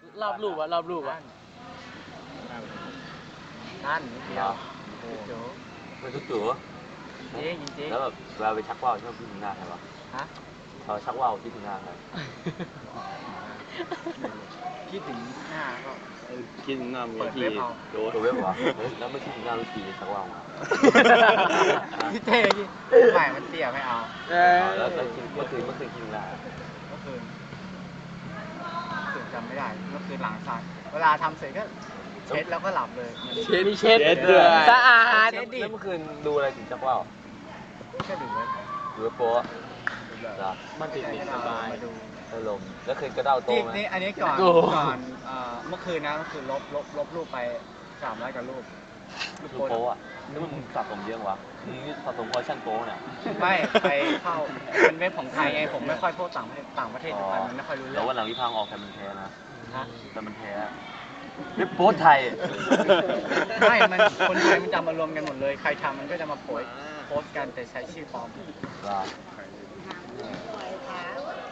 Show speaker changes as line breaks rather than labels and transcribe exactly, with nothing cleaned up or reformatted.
รอบรูปอะรอบรูปอะ
นั่นนิดเดียวโจ้
มันทุกตัว
จริงจริง
แล้วแบบเวลาไปชักว่าวชอบคิดถึงหน้าใครวะ
ฮะ
เขาชักว่าวคิดถึงหน้าใคร
คิดถึงหน้าก็
คิดถึงหน้าเมีย
เปิด
ที่
เว็บเอา
โดน
ตัวเว็บเหรอเฮ้ยแล้วไม่คิดถึงหน้าลูกทีชักว่าวมา
พี่เต้ยี่ใหม่มันเตี้ยไม่เอา
เอ
อ๋
อ
อแล้วแล้วคิดเมื่อคืนเมื่อคืนคิดถึงหน้า
เมื่อคืนเมื่อคืนจำไม่ได้เมื่อคืนหลังสายเวลาทำเสร็จก็เช็ดแล้วก็หลับเลยมัน
เช็ดมีเช็ดด้วยสะอาด
เช็ดดิ
แล้วเมื่อคืนดูอะไรถึงชักว่าว
ก็ดูไว้
ดูเว็บโป๊ะเหรอ
มันติดติดสบาย
มาดู
ได้ลมแล้วคืนกระเด้าโต
นี่
ไหม
นี่อันนี้ก่อนก่อนเอ่อเมื่อคืนนะเมื่อคืนลบลบลบรูปไปสามร้อยกว่ารูปรูป
ลูกโป๊ะอ่ะนึกว่ามึงสะสมเยอะวะมึงนี่สะสมคอลเลคชั่นโป๊ะเนี่ย
ไม่ไปเข้าเป็นเว็บของไทยไงผมไม่ค่อยพวกต่างประเทศต่างประเทศทุกคนมันไม่ค่อยรู้เรื่
แล้
อ
ว
ง
วันหลังที่พังออกแต่มันแท้นะ
ฮะ
แต่มันแท้เว็บโป๊ะไทย
ไม่มันคนไทยมันจะมารวมกันหมดเลย ใครทำมันก็จะมาโพสต์โพสต์กันแต่ใช้ชื่อปลอม
ว่า